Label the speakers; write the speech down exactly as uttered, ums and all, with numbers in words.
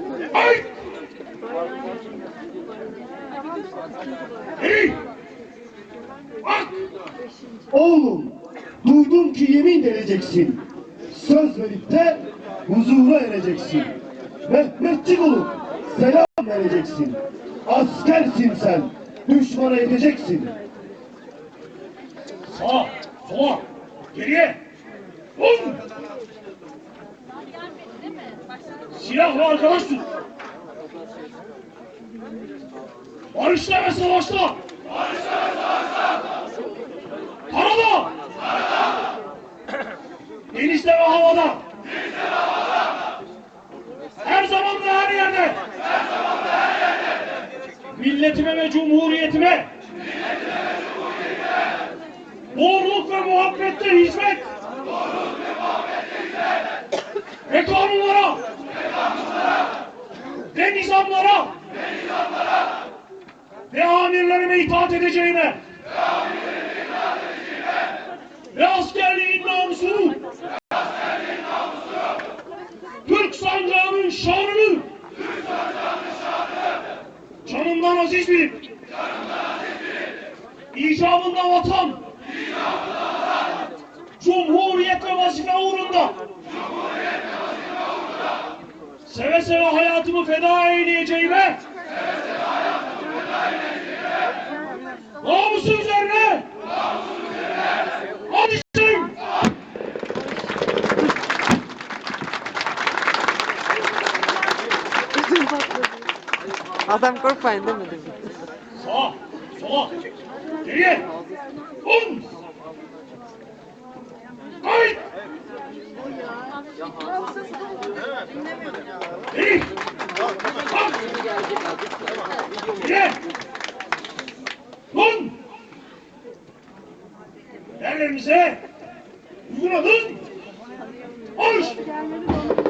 Speaker 1: Ay! Hey! Bak!
Speaker 2: Oğlum, duydum ki yemin vereceksin. Söz verip de huzura ereceksin. Mehmetçik olup selam vereceksin. Askersin sen, düşmana yeteceksin.
Speaker 1: Sağa, sola, geriye. Vur! Silahla arkadaş tut. Barışla ve savaşla. Barışla ve savaşla. Karada. Karada. Denizde ve havada. Denizde ve havada. Her zaman ve her yerde. Her zaman ve her yerde. Milletime ve cumhuriyetime. Milletime ve cumhuriyetime. Doğruluk ve muhabbette hizmet. Doğruluk ve muhabbette hizmet. Ve kanunlara. Ve kanunlara. Ve nizamlara. Ve nizamlara. Ve amirlerime itaat edeceğime. Ve amirlerime itaat edeceğime. Ve askerliğin namusunu. Ve askerliğin namusunu. Türk sancağının şanını. Türk sancağının şanını. Canımdan aziz bilip. Canımdan aziz bilip. İcabında vatan. İcabında vatan. Cumhuriyet ve vazife uğrunda. Cumhuriyet ve vazife uğrunda. Seve seve hayatımı feda eyleyeceğime. Seve seve hayatımı feda eyleyeceğime. Namusun üzerine. Namusun üzerine. Hadi şimdi.
Speaker 3: Adam korkmayın demedim.
Speaker 1: Sağa, sola, geriye. Un. Ay. Geri. Kalk. Geriye. Un. Yerlerinize uygun olun. Marş.